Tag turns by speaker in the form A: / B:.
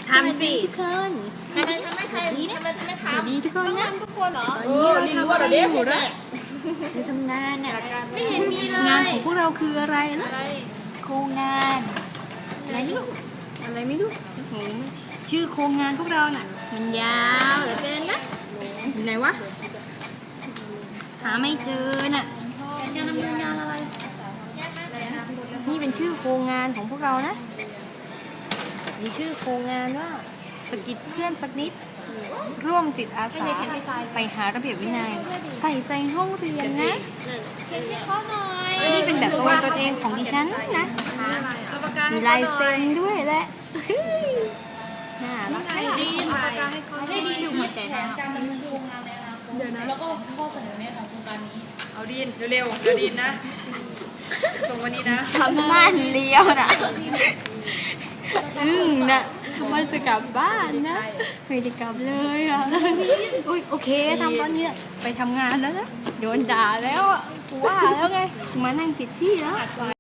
A: ทำสิ
B: ทุกคน
A: ทำไมไม่ทำทำไมไม่ทำ
B: สวัสดีทุกคนนะ
C: ทุกคนเหรอ
B: ตอนนี้เราทำอะไรอยู่นะ
A: เ
B: ไปทำงานอ่ะ
C: ไม่เห็นมีเล
B: งาน
C: ย
B: ของพวกเราคืออะไรนะ
A: อะไร
B: โครงงานอะไรไม่รู้อะไรไม่รู้โอ้โหชื่อโครงงานพวกเราน่ะมันยาวเหลือเกินนะอยู่ไหนวะหาไม่เจอน่ะ
C: การดำเนินงานอะไร
B: นี่เป็นชื่อโครงงานของพวกเรานะมีชื่อโครงงานว่าสกิดเพื่อนสักนิดร่วมจิตอาสาใฝ่หาระเบียบวินัยใส่ใจห้องเรียนนะ
C: เขียนให้เขาหน่อย
B: นี่เป็นแบบตัวเองของดิฉันนะ
A: เอาปากกา
B: มีลายเซ็นด้วยแหละน่ารักไหม
A: ดีปากกาให้เขา
C: ให้ดีอยู่หัวใจนะการดำเนินโครงงานในอนาคตแล้วก็ข้อเสนอแนะของโครงการนี้
A: เอาดีนเร็วๆเดี๋ยวดีนนะ ส่งวันนี้นะ
B: ทำบ้านเลี้ยวนะนะว่าจะกลับบ้านนะไม่ได้กลับเลยอ่ะอุ้ยโอเคทำตอนนี้ไปทำงานแล้วนะโดนด่าแล้วอ่ะว่าแล้วไงมานั่งผิดที่แล้ว